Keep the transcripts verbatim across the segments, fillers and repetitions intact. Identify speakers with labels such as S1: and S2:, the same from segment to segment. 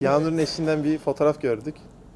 S1: Yağnur'un eşinden bir fotoğraf gördük.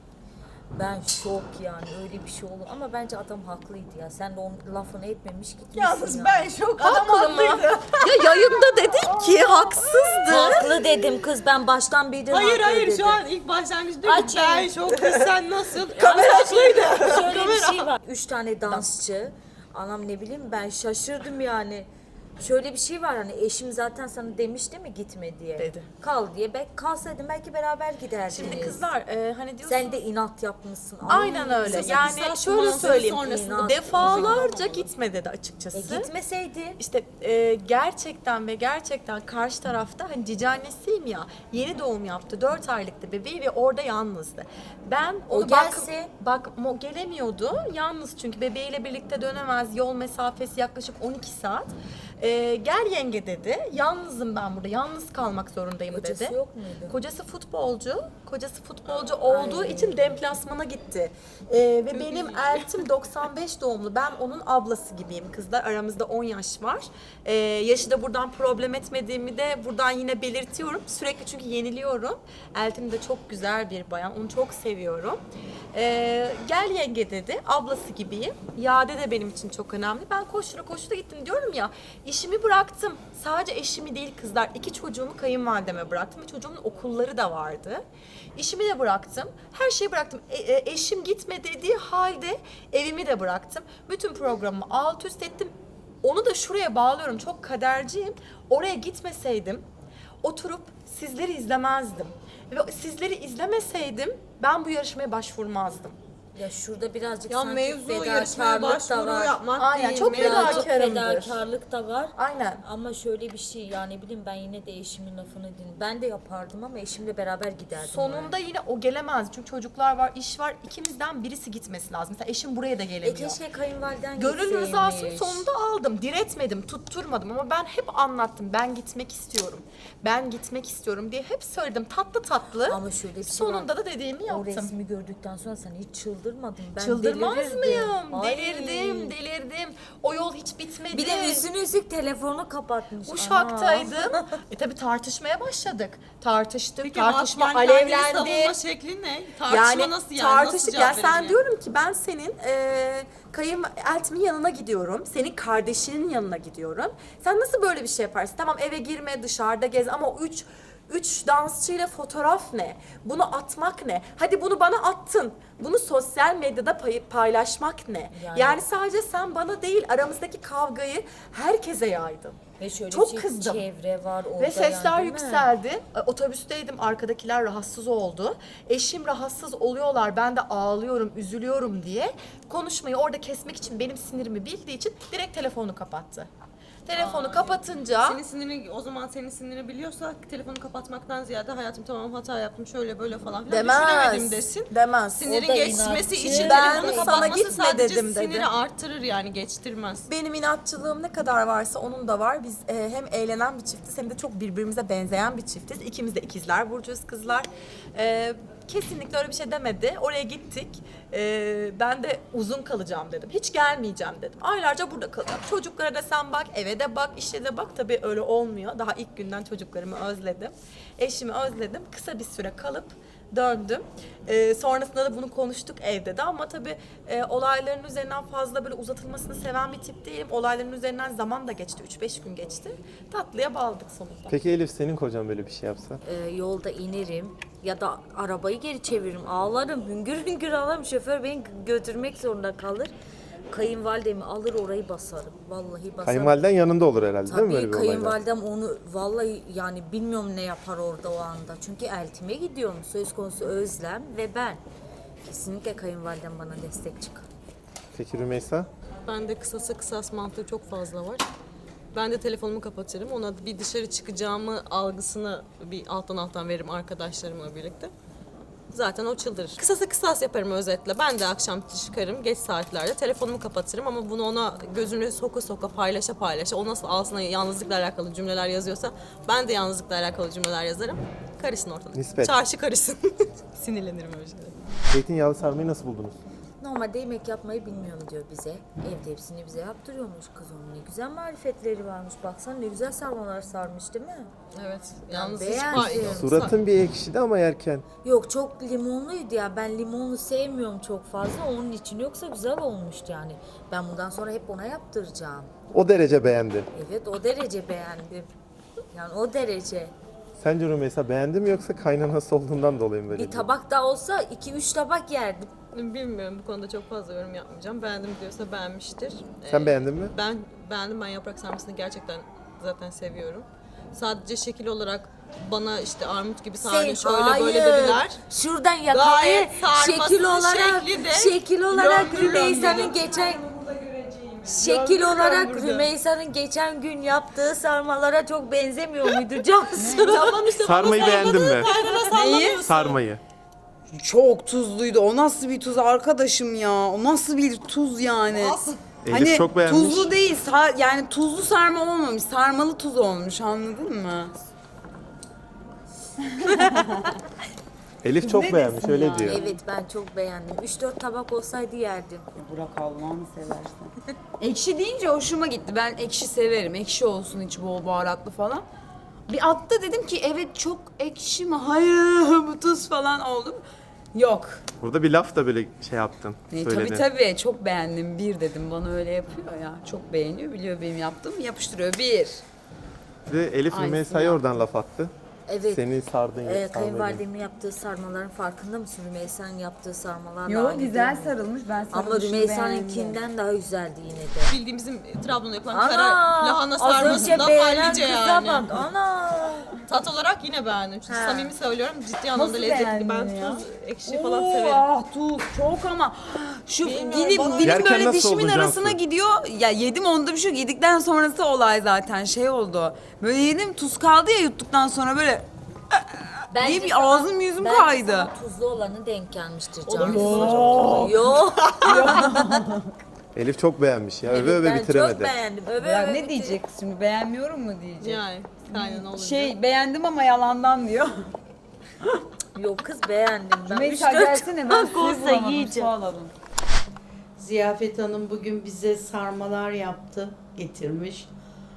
S2: Ben şok yani öyle bir şey olur ama bence adam haklıydı ya. Sen de onun lafını etmemiş gitmişsin
S3: Yalnız
S2: ya.
S3: ben şok. Adam haklıydı.
S4: Ya yayında dedim ki haksızdı.
S2: Haklı dedim kız, ben baştan beri
S3: Hayır
S2: haklı
S3: hayır
S2: dedim.
S3: şu an ilk başlangıç diyor ki
S2: Aç
S3: ben
S2: elini.
S3: şok kız sen nasıl?
S4: Kamera açıydı.
S2: Şöyle bir şey var. Üç tane dansçı. Anam ne bileyim, ben şaşırdım yani. Şöyle bir şey var, hani eşim zaten sana demiş değil mi gitme diye.
S4: Dedi.
S2: Kal diye. Belki kalsaydın belki beraber giderdiniz.
S4: Şimdi kızlar e, hani diyorsunuz.
S2: Sen de inat yapmışsın. Ay,
S4: Aynen öyle.
S3: kısa
S4: Yani
S3: kısa
S4: şöyle
S3: manzara
S4: söyleyeyim.
S3: sonrasında
S4: Defalarca gitme dedi açıkçası.
S2: E gitmeseydin.
S4: İşte e, gerçekten ve gerçekten karşı tarafta hani cici annesiyim ya, yeni doğum yaptı, dört aylıktı bebeği ve orada yalnızdı. Ben
S2: O
S4: onu
S2: gelse-
S4: bak, bak mo- gelemiyordu yalnız çünkü bebeğiyle birlikte dönemez, yol mesafesi yaklaşık on iki saat. E, gel yenge dedi, yalnızım ben burada, yalnız kalmak zorundayım
S2: Kocası
S4: dedi.
S2: yok muydu?
S4: Kocası futbolcu, kocası futbolcu olduğu için deplasmana gitti. E, ve benim eltim doksan beş doğumlu, ben onun ablası gibiyim kızlar, aramızda on yaş var. E, yaşı da buradan problem etmediğimi de buradan yine belirtiyorum. Sürekli çünkü yeniliyorum. Eltim de çok güzel bir bayan, onu çok seviyorum. E, gel yenge dedi, ablası gibiyim. Yade de benim için çok önemli. Ben koştura koştura gittim diyorum ya, işimi bıraktım. Sadece eşimi değil kızlar, iki çocuğumu kayınvalideme bıraktım ve çocuğumun okulları da vardı. İşimi de bıraktım, her şeyi bıraktım. E, e, eşim gitme dediği halde evimi de bıraktım. Bütün programımı alt üst ettim. Onu da şuraya bağlıyorum, çok kaderciyim. Oraya gitmeseydim oturup sizleri izlemezdim. Ve sizleri izlemeseydim ben bu yarışmaya başvurmazdım.
S2: Ya şurada birazcık
S3: Ya
S2: sanki
S3: mevzu yarışmaya
S2: fedakarlık da
S3: başvuru
S2: var.
S3: yapmak
S4: Aynen,
S3: değil.
S4: çok
S3: mevzu-
S2: Birazcık
S4: fedakarımdır.
S2: fedakarlık da var.
S4: Aynen.
S2: Ama şöyle bir şey, yani bileyim, ben yine de eşimin lafını dinledim. Ben de yapardım ama eşimle beraber giderdim.
S4: Sonunda yine o gelemez. Çünkü çocuklar var, iş var. İkimizden birisi gitmesi lazım. Mesela eşim buraya da
S2: yani. E
S4: gelemiyor.
S2: keşke kayınvaliden
S4: Gönül
S2: gitseymiş.
S4: rızasını sonunda aldım. Diretmedim, tutturmadım ama ben hep anlattım. Ben gitmek istiyorum. Ben gitmek istiyorum diye hep söyledim. Tatlı tatlı.
S2: Ama şöyle bir şey
S4: Sonunda
S2: var.
S4: da dediğimi
S2: O
S4: yaptım.
S2: resmi gördükten sonra sen hiç çıldırmadın. Ben
S4: Çıldırmaz
S2: delirirdim.
S4: mıyım?
S2: Ay.
S4: Delirdim, delirdim. O yol hiç bitmedi.
S2: Bir de üstüne üstlük telefonu kapatmış.
S4: Uşaktaydım. e tabii tartışmaya başladık. Tartıştık,
S3: Peki,
S4: tartışma
S3: yani kendini
S4: alevlendi.
S3: savunma şekli ne? Tartışma nasıl yani?
S4: Tartıştık.
S3: Nasıl
S4: Yani
S3: cevap
S4: sen
S3: vereceksin?
S4: diyorum ki ben senin e, kayın eltimin yanına gidiyorum. Senin kardeşinin yanına gidiyorum. Sen nasıl böyle bir şey yaparsın? Tamam, eve girme, dışarıda gez ama o üç Üç dansçıyla fotoğraf ne? Bunu atmak ne? Hadi bunu bana attın. Bunu sosyal medyada pay- paylaşmak ne? Yani,
S2: Yani-
S4: sadece sen bana değil, aramızdaki kavgayı herkese yaydın.
S2: Ve şöyle
S4: Çok
S2: bir şey,
S4: kızdım.
S2: çevre var orada.
S4: Ve sesler
S2: yani, değil mi?
S4: yükseldi. E, Otobüsteydim, arkadakiler rahatsız oldu. Eşim rahatsız oluyorlar, ben de ağlıyorum, üzülüyorum diye. Konuşmayı orada kesmek için, benim sinirimi bildiği için direkt telefonu kapattı. Telefonu kapatınca...
S3: Senin sinirini, o zaman senin sinirini biliyorsa telefonu kapatmaktan ziyade hayatım tamam hata yaptım şöyle böyle falan filan düşünemedim
S4: Demez,
S3: desin.
S4: demez.
S3: Sinirin
S2: O da
S3: geçmesi
S2: inatçı.
S3: için
S4: Ben
S3: telefonu
S4: sana
S3: kapatması
S4: gitme
S3: sadece
S4: dedim dedi.
S3: siniri arttırır yani geçtirmez.
S4: Benim inatçılığım ne kadar varsa onun da var. Biz e, hem eğlenen bir çiftiz hem de çok birbirimize benzeyen bir çiftiz. İkimiz de ikizler burcuyuz kızlar. E, kesinlikle öyle bir şey demedi. Oraya gittik. E, ben de uzun kalacağım dedim. Hiç gelmeyeceğim dedim. Aylarca burada kalacağım. Çocuklara da sen bak, eve de bak, işe de bak. Tabii öyle olmuyor. Daha ilk günden çocuklarımı özledim. Eşimi özledim. Kısa bir süre kalıp döndüm. Ee, sonrasında da bunu konuştuk evde de ama tabii e, olayların üzerinden fazla böyle uzatılmasını seven bir tip değilim. Olayların üzerinden zaman da geçti. üç beş gün geçti. Tatlıya bağladık sonunda.
S1: Peki Elif, senin kocan böyle bir şey yapsa?
S2: Ee, yolda inerim ya da arabayı geri çeviririm, ağlarım, hüngür hüngür ağlarım, şoför beni götürmek zorunda kalır. Kayınvalidemi alır orayı basarım, vallahi basarım.
S1: Kayınvaliden yanında olur herhalde, değil mi böyle
S2: Tabii
S1: bir olayda?
S2: kayınvalidem onu vallahi, yani bilmiyorum ne yapar orada o anda. Çünkü eltime gidiyorum, söz konusu Özlem ve ben. Kesinlikle kayınvalidem bana destek çıkar.
S1: Peki Rümeysa?
S3: Bende kısasa kısas mantığı çok fazla var. Ben de telefonumu kapatırım. Ona bir dışarı çıkacağımı algısını bir alttan alttan veririm arkadaşlarımla birlikte. Zaten o çıldırır. Kısasa kısas yaparım özetle. Ben de akşam çıkarım geç saatlerde telefonumu kapatırım ama bunu ona gözünü soka soka paylaşa paylaşa o nasıl altına yalnızlıkla alakalı cümleler yazıyorsa ben de yalnızlıkla alakalı cümleler yazarım. Karışsın ortalık.
S1: Nispet.
S3: Çarşı karışsın. Sinirlenirim öyle şeylere.
S1: Zeytinyağlı sarmayı nasıl buldunuz?
S2: normalde yemek yapmayı bilmiyorum diyor bize. Evde hepsini bize yaptırıyormuş kız, onun ne güzel marifetleri varmış. Baksana ne güzel sarmalar sarmış değil mi?
S3: Evet. Yalnız hiç
S2: beğendim.
S3: pay-
S1: Suratın bir ekşidi ama yerken.
S2: Yok çok limonluydu ya, ben limonlu sevmiyorum çok fazla onun için, yoksa güzel olmuştu yani. Ben bundan sonra hep ona yaptıracağım.
S1: O derece beğendin.
S2: Evet o derece beğendim. Yani o derece.
S1: Sence Rümeysa beğendin mi yoksa kaynanası olduğundan dolayı mı böyle?
S2: Bir tabak daha olsa iki üç tabak yerdim.
S3: Bilmiyorum, bu konuda çok fazla yorum yapmayacağım. Beğendim diyorsa beğenmiştir.
S1: Sen
S3: Ee,
S1: beğendin mi?
S3: Ben beğendim. Ben yaprak sarmasını gerçekten zaten seviyorum. Sadece şekil olarak bana işte armut gibi sardı, şöyle
S2: hayır.
S3: böyle dediler.
S2: Şuradan yakalayı
S3: Gayet sarmasının
S2: şekil olarak
S3: şekli de
S2: şekil olarak
S3: lömbür
S2: Rümeysa'nın
S3: lömbür.
S2: geçen şekil olarak
S3: lömbür.
S2: Rümeysa'nın geçen gün yaptığı sarmalara çok benzemiyor muydu Cansu?
S3: Tamam işte
S1: Sarmayı beğendin mi?
S3: Neyi?
S1: Sarmayı.
S5: Çok tuzluydu. O nasıl bir tuz arkadaşım ya? O nasıl bir tuz yani?
S1: Elif
S5: Hani
S1: çok beğenmiş.
S5: tuzlu değil, sa- yani tuzlu sarma olmamış, sarmalı tuz olmuş, anladın mı?
S1: Elif çok
S5: Ne
S1: beğenmiş
S5: desin
S1: öyle
S5: yani?
S1: diyor.
S2: Evet ben çok beğendim. üç dört tabak olsaydı yerdim.
S5: Bırak Allah'ını seversen. Ekşi deyince hoşuma gitti. Ben ekşi severim. Ekşi olsun, içi bol baharatlı falan. Bir atta dedim ki evet çok ekşi mi? Hayır bu tuz falan oldum. Yok.
S1: Burada bir laf da böyle şey yaptın.
S5: E,
S1: Söyledin.
S5: tabii tabii çok beğendim. Bir dedim, bana öyle yapıyor ya. Çok beğeniyor, biliyor benim yaptığımı, yapıştırıyor. Bir.
S1: Ve Elif
S5: Aynısını
S1: Rümeysa'ya
S5: yaptı.
S1: oradan laf attı.
S2: Evet.
S1: Seni sardın ya.
S2: Ee,
S1: sarmayı.
S2: kayınvalidemin yaptığı sarmaların farkında mısın? Rümeysa'nın yaptığı sarmalar da
S5: Yok
S2: aynı
S5: güzel
S2: değil mi?
S5: sarılmış. Ben
S2: Ama
S5: sarılmışını
S2: Rümeysa'nınkinden daha güzeldi yine de.
S3: Bildiğim bizim Trabzon'da yapılan
S2: Ana!
S3: kara lahana
S2: Az önce
S3: sarmasından
S2: beğenen
S3: hallice
S2: kıza
S3: yani.
S2: bak. Ana!
S3: Tat olarak yine beğendim. Çünkü
S2: Ha.
S3: samimi söylüyorum, ciddi anlamda
S5: Nasıl
S3: lezzetli.
S5: beğendin
S3: Ben
S5: ya?
S3: tuz, ekşi falan
S5: Oo,
S3: severim.
S5: Ah tuz çok ama şu
S3: Bilmiyorum,
S5: dilim,
S3: bana-
S5: dilim
S1: Yerken
S5: böyle
S1: nasıl
S5: dişimin
S1: oldu
S5: arasına
S1: Cansu?
S5: gidiyor. Ya yedim onda bir şey yok. Yedikten sonrası olay zaten şey oldu. Böyle yedim, tuz kaldı ya yuttuktan sonra böyle
S2: Bence
S5: diye bir
S2: sana-
S5: ağzım yüzüm
S2: bence
S5: kaydı.
S2: sana tuzlu olanı denk gelmiştir
S3: O da
S2: Cansu.
S3: güzel.
S2: Yok.
S1: Elif çok beğenmiş ya. Öve
S2: Evet,
S1: öve
S2: ben
S1: bitiremedi.
S2: çok beğendim. Öve
S5: Ya
S2: öve
S5: ne
S2: bitir-
S5: diyecek şimdi, beğenmiyorum mu diyecek.
S3: Yani aynen olunca.
S5: Şey beğendim ama yalandan diyor.
S2: Yok kız beğendim ben.
S5: Mesela
S2: Üç dört
S5: gelsene, ben
S2: tabak
S5: suyu
S2: olsa
S5: bulamadım,
S2: yiyeceğim.
S5: su alalım.
S6: Ziyafet Hanım bugün bize sarmalar yaptı, getirmiş.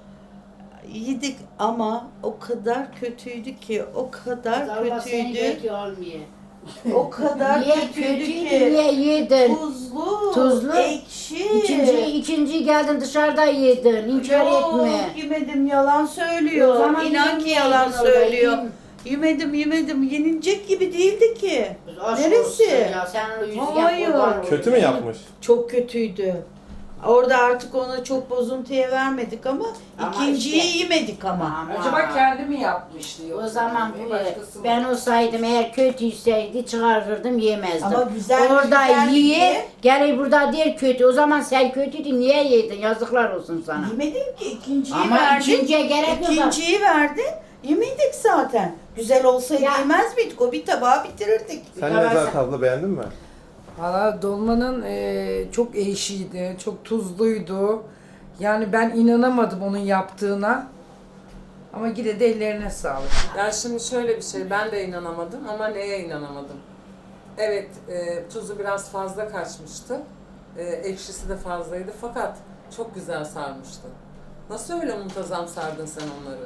S6: Yedik ama o kadar kötüydü ki, o kadar
S7: Allah seni
S6: kötüydü,
S7: kötü olmuyor.
S6: o kadar
S7: Niye
S6: kötüydü
S7: kötüydü,
S6: ki.
S7: niye yedin?
S6: Tuzlu,
S7: Tuzlu.
S6: ekşi.
S7: İkinci, ikinci geldin dışarıda yedin. İnkar
S6: Yok,
S7: etme.
S6: yemedim, yalan söylüyor.
S7: O zaman
S6: İnan
S7: yemeğin
S6: ki yalan
S7: yedin orada,
S6: söylüyor.
S7: yiyeyim.
S6: Yemedim, yemedim. Yenilecek gibi değildi ki.
S7: Aşk
S6: Neresi?
S7: olsun ya, sen o yüzü
S6: Hayır.
S1: Kötü mü yapmış?
S6: Çok kötüydü. Orada artık ona çok bozuntuya vermedik ama,
S7: Ama
S6: ikinciyi
S7: işte-
S6: yemedik ama.
S7: Ama
S8: Acaba kendi mi yapmıştı yoksa?
S7: o zaman
S8: bir
S7: bu,
S8: başkası mı?
S7: ben olsaydım eğer kötüyseydi çıkarırdım yemezdim.
S6: Ama güzel-
S7: Orada
S6: güzeldi
S7: yiye
S6: diye.
S7: gelir burada der kötü. O zaman sen kötüydün, niye yedin? Yazıklar olsun sana.
S6: Yemedim ki, ikinciyi
S7: Ama
S6: verdin.
S7: ikinciye gerek yok.
S6: İkinciyi verdin. Yemedik zaten. Güzel olsaydı
S7: Ya-
S6: yemez miydik? O bir tabağı bitirirdik.
S1: Sen Nezahat abla beğendin mi?
S8: Valla dolmanın e, çok ekşiydi, çok tuzluydu. Yani ben inanamadım onun yaptığına. Ama yine de ellerine sağlık.
S9: Ya şimdi şöyle bir şey, ben de inanamadım ama neye inanamadım? Evet, e, tuzu biraz fazla kaçmıştı, e, ekşisi de fazlaydı fakat çok güzel sarmıştı. Nasıl öyle muntazam sardın sen onları?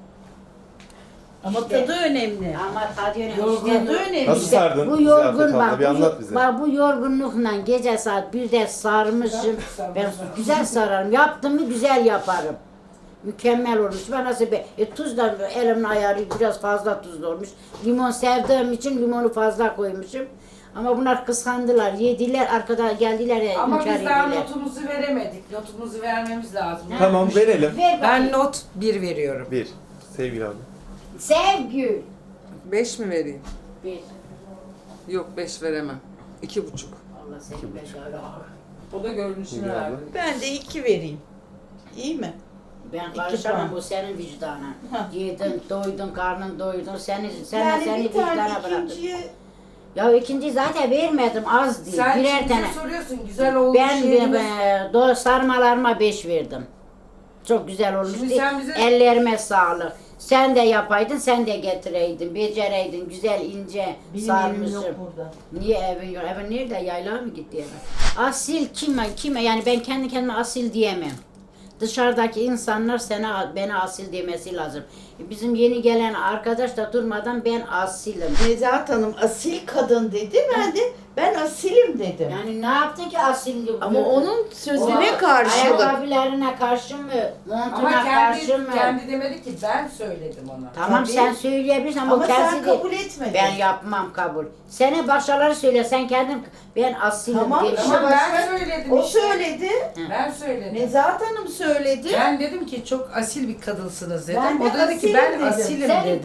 S6: Ama
S7: İşte-
S6: tadı önemli.
S7: Ama tadı önemli.
S6: Yorgun
S7: İşte-
S6: tadı önemli.
S1: Nasıl sardın?
S7: Bu
S1: Ziyafet
S7: yorgun
S1: abla,
S7: bak,
S1: bir
S7: bu,
S1: anlat bize.
S7: bak bu yorgunlukla gece saat birde sarmışım. Ben güzel sararım. Yaptım mı güzel yaparım. Mükemmel olmuş. Ben nasıl be, e, tuz da elimin ayarı biraz fazla tuzlu olmuş. Limon sevdiğim için limonu fazla koymuşum. Ama bunlar kıskandılar, yediler, arkada geldiler ya,
S8: Ama
S7: inkar
S8: biz daha
S7: ettiler.
S8: notumuzu veremedik. Notumuzu vermemiz lazım.
S1: Tamam verelim.
S7: Ver
S8: Ben
S7: bakayım.
S8: not bir veriyorum.
S1: Bir. Sevgili abi.
S7: Sevgi.
S9: Beş mi vereyim?
S7: Bir.
S9: Yok, beş veremem. İki buçuk.
S7: Allah seni becerle.
S9: O da görünüşünü
S1: Buyur abla.
S9: verdi.
S6: Ben de iki vereyim. İyi mi?
S7: Ben
S6: İki
S7: karışamam,
S6: puan.
S7: bu senin vicdanın.
S6: Ha.
S7: Yedin, doydun, karnın doydun, seni, seni,
S6: Yani
S7: seni
S6: bir tane
S7: vicdana bıraktım.
S6: ikinciye
S7: Ya ikinci zaten vermedim, az değil,
S8: Sen
S7: birer
S8: şimdi
S7: tane.
S8: soruyorsun güzel olmuş
S7: Ben
S8: yediniz.
S7: e, do sarmalarıma beş verdim. Çok güzel olmuştu.
S8: Şimdi sen bize-
S7: Ellerime sağlık. Sen de yapaydın, sen de getireydin, becereydin, güzel ince
S6: Benim
S7: sarmışım.
S6: evim yok burada.
S7: Niye evin yok? Evin nerede? Yaylağa mı gitti eve? Asil kime? Kime? Yani ben kendi kendime asil diyemem. Dışarıdaki insanlar sana beni asil demesi lazım. Bizim yeni gelen arkadaş da durmadan ben asilim.
S6: Nezahat Hanım asil kadın dedi. Ben de ben asilim dedim.
S7: Yani ne yaptı ki asil?
S6: Ama onun sözüne
S7: O
S6: karşılık.
S7: Ayakkabılarına karşı mı? Montuna
S8: Ama
S7: karşı
S8: kendi,
S7: mı?
S8: kendi demedi ki ben söyledim ona.
S7: Tamam
S6: Tabii.
S7: sen söyleyebilirsin ama,
S6: Ama
S7: o
S6: sen
S7: kendisi de-
S6: kabul etmedin.
S7: Ben yapmam kabul. Sene başkaları söyle, sen kendin ben asilim
S6: Tamam,
S7: demişim.
S8: Ama ben
S6: Başka-
S8: söyledim
S6: O
S8: işte.
S6: söyledi.
S8: Ben söyledim.
S6: Nezahat Hanım söyledi.
S8: Ben dedim ki çok asil bir kadınsınız dedim.
S6: Ben de
S8: O dedi ki
S6: asilim
S8: ben
S6: dedim.
S8: asilim
S7: Senin
S8: dedi.